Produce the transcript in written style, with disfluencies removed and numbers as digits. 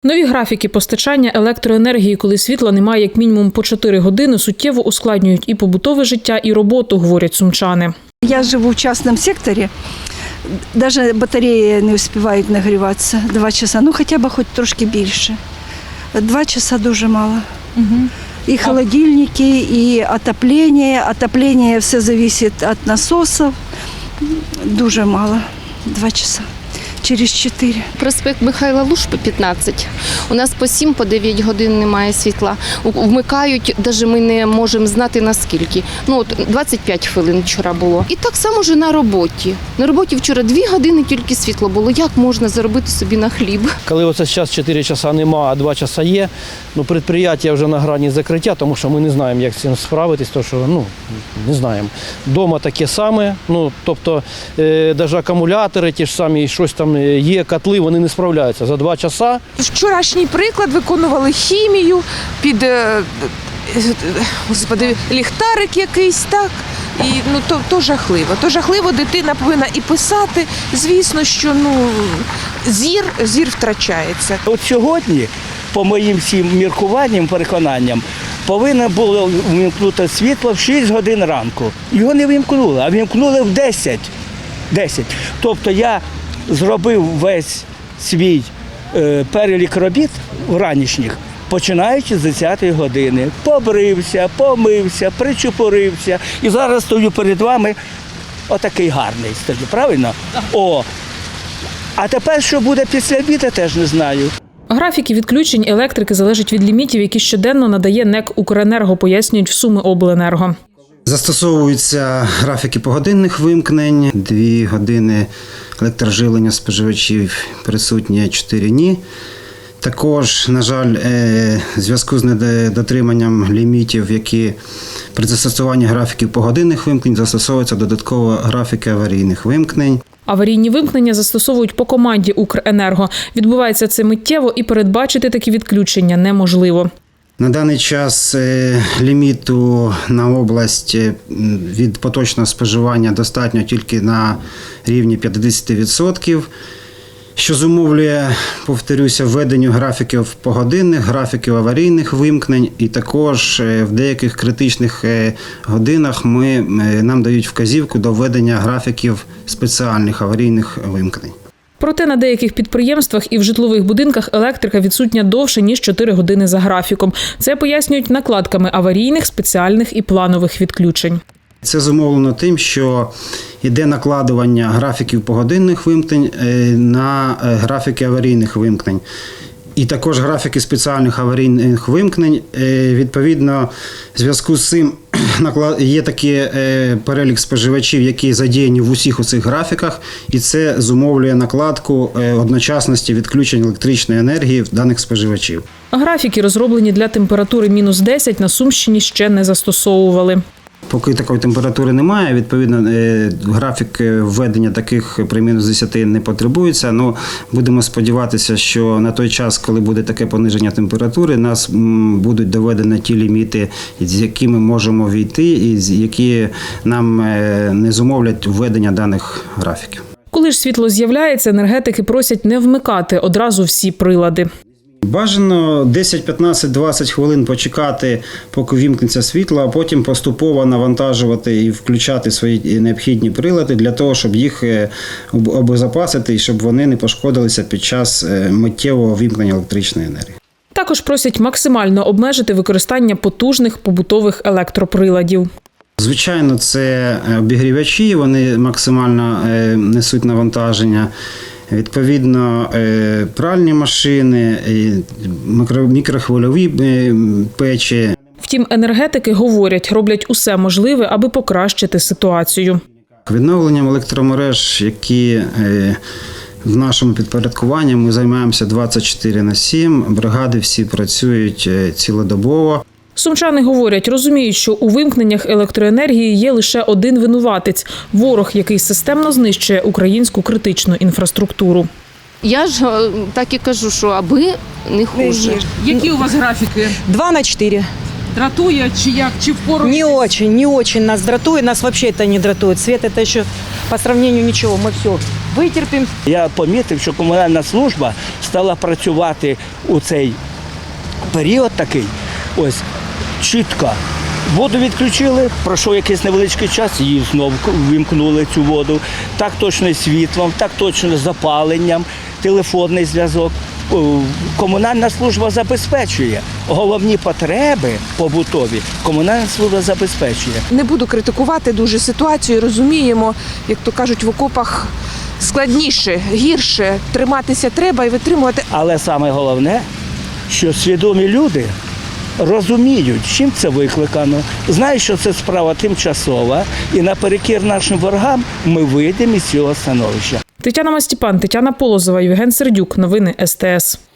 Нові графіки постачання електроенергії, коли світла немає як мінімум по 4 години, суттєво ускладнюють і побутове життя, і роботу, говорять сумчани. Я живу в частном секторе, даже батареї не встигають нагріватися 2 часа, ну хоча б хоч трошки більше. 2 часа дуже мало. І холодильники, і отоплення все залежить від насосів, дуже мало, 2 часа. Через 4. Проспект Михайла Лушпи, 15. У нас по 7, по 9 годин немає світла. Вмикають, навіть ми не можемо знати наскільки. Ну, от 25 хвилин вчора було. І так само ж на роботі. На роботі вчора 2 години тільки світло було. Як можна заробити собі на хліб? Коли оце зараз 4 часа нема, а 2 часа є, ну, підприємство вже на грані закриття, тому що ми не знаємо, як з цим справитись, тому що, не знаємо. Дома таке саме, тобто, навіть акумулятори ті ж самі, щось там є, котли, вони не справляються за 2 часа. Вчорашній приклад, виконували хімію під, ліхтарик якийсь, так? І то жахливо. То жахливо, дитина повинна і писати. Звісно, що зір втрачається. От сьогодні, по моїм всім міркуванням, переконанням, повинно було вимкнути світло в 6 годин ранку. Його не вимкнули, а вимкнули в 10. Тобто я зробив весь свій перелік робіт ранішніх, починаючи з 10 години. Побрився, помився, причепурився. І зараз стою перед вами отакий гарний стою, правильно? А тепер, що буде після обіду, теж не знаю. Графіки відключень електрики залежать від лімітів, які щоденно надає НЕК «Укренерго», пояснюють в Сумиобленерго. Застосовуються графіки погодинних вимкнень, 2 години електроживлення споживачів присутні, 4 – ні. Також, на жаль, в зв'язку з недотриманням лімітів, які при застосуванні графіків погодинних вимкнень застосовуються додатково графіки аварійних вимкнень. Аварійні вимкнення застосовують по команді «Укренерго». Відбувається це миттєво і передбачити такі відключення неможливо. На даний час ліміту на область від поточного споживання достатньо тільки на рівні 50%, що зумовлює, повторюся, введенню графіків погодинних, графіків аварійних вимкнень, і також в деяких критичних годинах нам дають вказівку до введення графіків спеціальних аварійних вимкнень. Проте на деяких підприємствах і в житлових будинках електрика відсутня довше, ніж 4 години за графіком. Це пояснюють накладками аварійних, спеціальних і планових відключень. Це зумовлено тим, що йде накладування графіків погодинних вимкнень на графіки аварійних вимкнень. І також графіки спеціальних аварійних вимкнень. Відповідно, в зв'язку з цим є такий перелік споживачів, які задіяні в усіх у цих графіках, і це зумовлює накладку одночасності відключень електричної енергії в даних споживачів. Графіки, розроблені для температури мінус 10, на Сумщині ще не застосовували. Поки такої температури немає, відповідно, графік введення таких при мінус 10 не потребується. Ну, будемо сподіватися, що на той час, коли буде таке пониження температури, нас будуть доведені ті ліміти, з якими можемо війти, і які нам не зумовлять введення даних графіків. Коли ж світло з'являється, енергетики просять не вмикати одразу всі прилади. Бажано 10, 15, 20 хвилин почекати, поки вімкнеться світло, а потім поступово навантажувати і включати свої необхідні прилади для того, щоб їх обезопасити і щоб вони не пошкодилися під час миттєвого вімкнення електричної енергії. Також просять максимально обмежити використання потужних побутових електроприладів. Звичайно, це обігрівачі, вони максимально несуть навантаження. Відповідно, пральні машини, мікрохвильові печі. Втім, енергетики говорять, роблять усе можливе, аби покращити ситуацію. Відновленням електромереж, які в нашому підпорядкуванні, ми займаємося 24/7, бригади всі працюють цілодобово. Сумчани говорять, розуміють, що у вимкненнях електроенергії є лише один винуватець – ворог, який системно знищує українську критичну інфраструктуру. Я ж так і кажу, що аби не хуже. Які у вас графіки? 2/4. Дратує чи як? Чи впору? Не очень нас дратует, нас вообще это не дратует. Свет это еще по сравнению ничего, мы все Витерпимо. Я помітив, що комунальна служба стала працювати у цей період такий, ось, чітко. Воду відключили, пройшов якийсь невеличкий час, її знову вимкнули цю воду. Так точно і світлом, так точно і запаленням, телефонний зв'язок. Комунальна служба забезпечує. Головні потреби побутові комунальна служба забезпечує. Не буду критикувати дуже ситуацію, розуміємо, як то кажуть, в окопах складніше, гірше, триматися треба і витримувати. Але саме головне, що свідомі люди розуміють, чим це викликано, знають, що це справа тимчасова, і наперекір нашим ворогам ми вийдемо із цього становища. Тетяна Мастіпан, Тетяна Полозова, Євген Сердюк. Новини СТС.